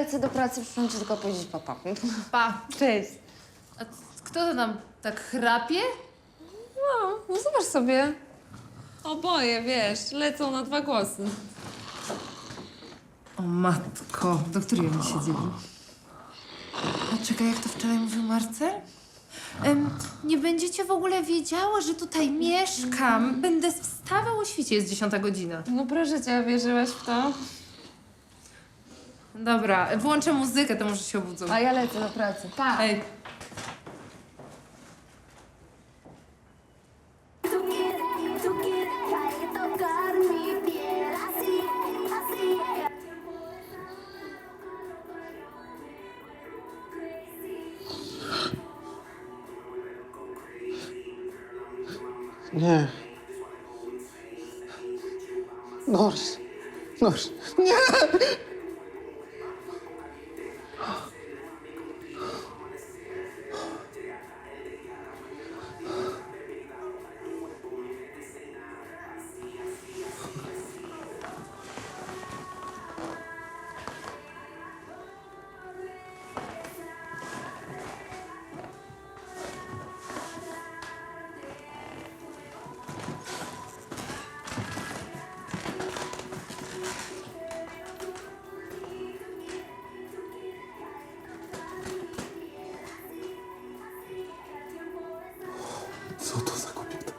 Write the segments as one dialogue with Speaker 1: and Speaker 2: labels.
Speaker 1: lecę do pracy, przyszłam ci tylko powiedzieć papa.
Speaker 2: Pa.
Speaker 1: Cześć.
Speaker 2: A kto to nam tak chrapie?
Speaker 1: No zobacz sobie. Oboje, wiesz, lecą na 2 głosy.
Speaker 2: O matko, do której oni siedzieli? A czekaj, jak to wczoraj mówił Marcel? Nie będziecie w ogóle wiedziały, że tutaj mieszkam. Będę wstawał o świcie, jest 10 godzina.
Speaker 1: No proszę cię, wierzyłaś w to?
Speaker 2: Dobra, włączę muzykę, to może się obudzą.
Speaker 1: A ja lecę do pracy. Pa!
Speaker 2: Ej,
Speaker 3: Tú quieres tocar mi piel así, así.
Speaker 4: Nie. Nors. Nors. Nie! Co to za kobieta?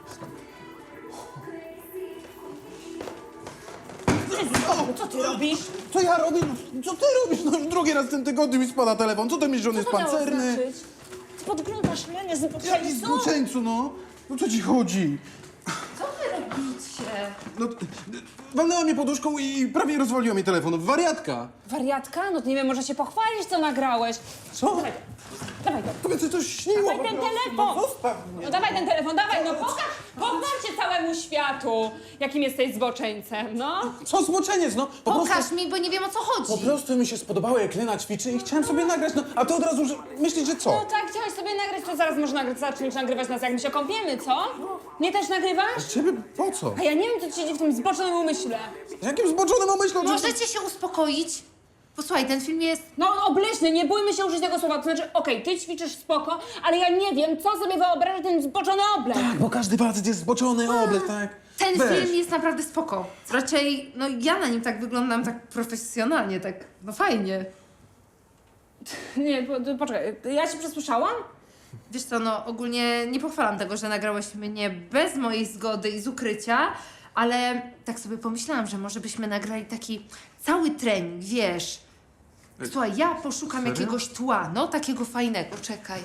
Speaker 5: Co ty robisz?
Speaker 4: Co ja robię? Co ty robisz? No już drugi raz w tym tygodniu mi spada telefon. Co ty myślisz, że on jest
Speaker 5: Co to miało
Speaker 4: pancerny?
Speaker 5: znaczyć? Podglądasz mnie,
Speaker 4: Jaki
Speaker 5: zboczeńcu?
Speaker 4: zboczeńcu, no? No co ci chodzi?
Speaker 2: co wy robicie?
Speaker 4: No, walnęła mnie poduszką i prawie rozwaliła mi telefon. Wariatka!
Speaker 5: Wariatka? No to nie wiem, może się pochwalić, co nagrałeś.
Speaker 4: Co?
Speaker 5: Dawaj go.
Speaker 4: Tobie coś śniło
Speaker 5: Dawaj
Speaker 4: po
Speaker 5: ten
Speaker 4: prostu.
Speaker 5: telefon!
Speaker 4: No, zostaw mnie.
Speaker 5: No dawaj ten telefon, dawaj, no pokaż się całemu światu, jakim jesteś zboczeńcem, no.
Speaker 4: Co zboczeniec, no?
Speaker 2: Pokaż mi, bo nie wiem, o co chodzi.
Speaker 4: Po prostu mi się spodobało, jak Lena ćwiczy i chciałem sobie nagrać, no. A ty od razu myślisz, że
Speaker 5: No
Speaker 4: co?
Speaker 5: tak, chciałeś sobie nagrać, to zaraz można zacząć nagrywać nas, jak my się kąpiemy, co? Mnie też nagrywasz?
Speaker 4: Ciebie po co?
Speaker 5: A ja nie wiem, co ci siedzi w tym zboczonym umyśle.
Speaker 4: Jakim zboczonym umyślą?
Speaker 2: Możecie się uspokoić? Posłuchaj, ten film jest...
Speaker 5: No obleśny, nie bójmy się użyć tego słowa, to znaczy, okej, ty ćwiczysz spoko, ale ja nie wiem, co sobie wyobraża ten zboczony oblek.
Speaker 4: Tak, bo każdy facet jest zboczony, oblek, tak?
Speaker 2: Ten
Speaker 4: Weź.
Speaker 2: film jest naprawdę spoko. Raczej, no ja na nim tak wyglądam tak profesjonalnie, tak, no fajnie.
Speaker 5: Nie, poczekaj, ja się przesłyszałam?
Speaker 2: Wiesz co, no ogólnie nie pochwalam tego, że nagrałeś mnie bez mojej zgody i z ukrycia, ale tak sobie pomyślałam, że może byśmy nagrali taki cały trening, wiesz. Słuchaj, ja poszukam
Speaker 4: Serio?
Speaker 2: jakiegoś tła, no takiego fajnego, czekaj.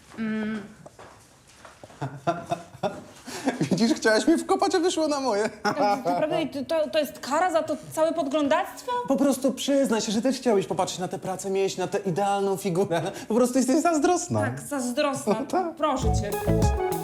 Speaker 4: Widzisz, chciałaś mi wkopać, a wyszło na moje.
Speaker 5: Naprawdę to jest kara za to całe podglądactwo?
Speaker 4: Po prostu przyznaj się, że też chciałeś popatrzeć na tę pracę, mieć na tę idealną figurę. Po prostu jesteś zazdrosna.
Speaker 5: Tak, zazdrosna,
Speaker 4: tak.
Speaker 5: proszę cię.